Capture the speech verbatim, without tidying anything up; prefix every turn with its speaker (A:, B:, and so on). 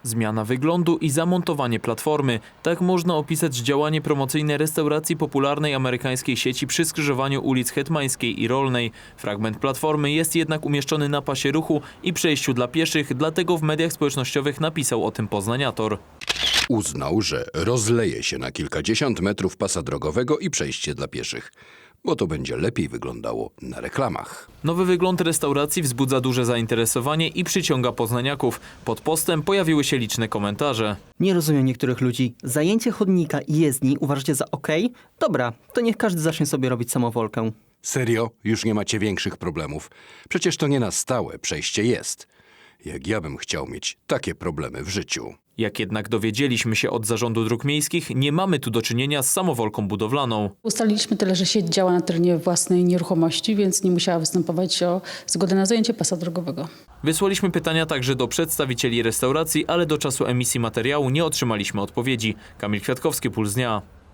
A: Zmiana wyglądu i zamontowanie platformy. Tak można opisać działanie promocyjne restauracji popularnej amerykańskiej sieci przy skrzyżowaniu ulic Hetmańskiej i Rolnej. Fragment platformy jest jednak umieszczony na pasie ruchu i przejściu dla pieszych, dlatego w mediach społecznościowych napisał o tym poznaniator.
B: Uznał, że rozleje się na kilkadziesiąt metrów pasa drogowego i przejście dla pieszych, bo to będzie lepiej wyglądało na reklamach.
A: Nowy wygląd restauracji wzbudza duże zainteresowanie i przyciąga poznaniaków. Pod postem pojawiły się liczne komentarze.
C: Nie rozumiem niektórych ludzi. Zajęcie chodnika i jezdni uważacie za okej? Dobra, to niech każdy zacznie sobie robić samowolkę.
B: Serio? Już nie macie większych problemów? Przecież to nie na stałe, przejście jest. Jak ja bym chciał mieć takie problemy w życiu.
A: Jak jednak dowiedzieliśmy się od Zarządu Dróg Miejskich, nie mamy tu do czynienia z samowolką budowlaną.
D: Ustaliliśmy tyle, że sieć działa na terenie własnej nieruchomości, więc nie musiała występować o zgodę na zajęcie pasa drogowego.
A: Wysłaliśmy pytania także do przedstawicieli restauracji, ale do czasu emisji materiału nie otrzymaliśmy odpowiedzi. Kamil Kwiatkowski, Puls Dnia.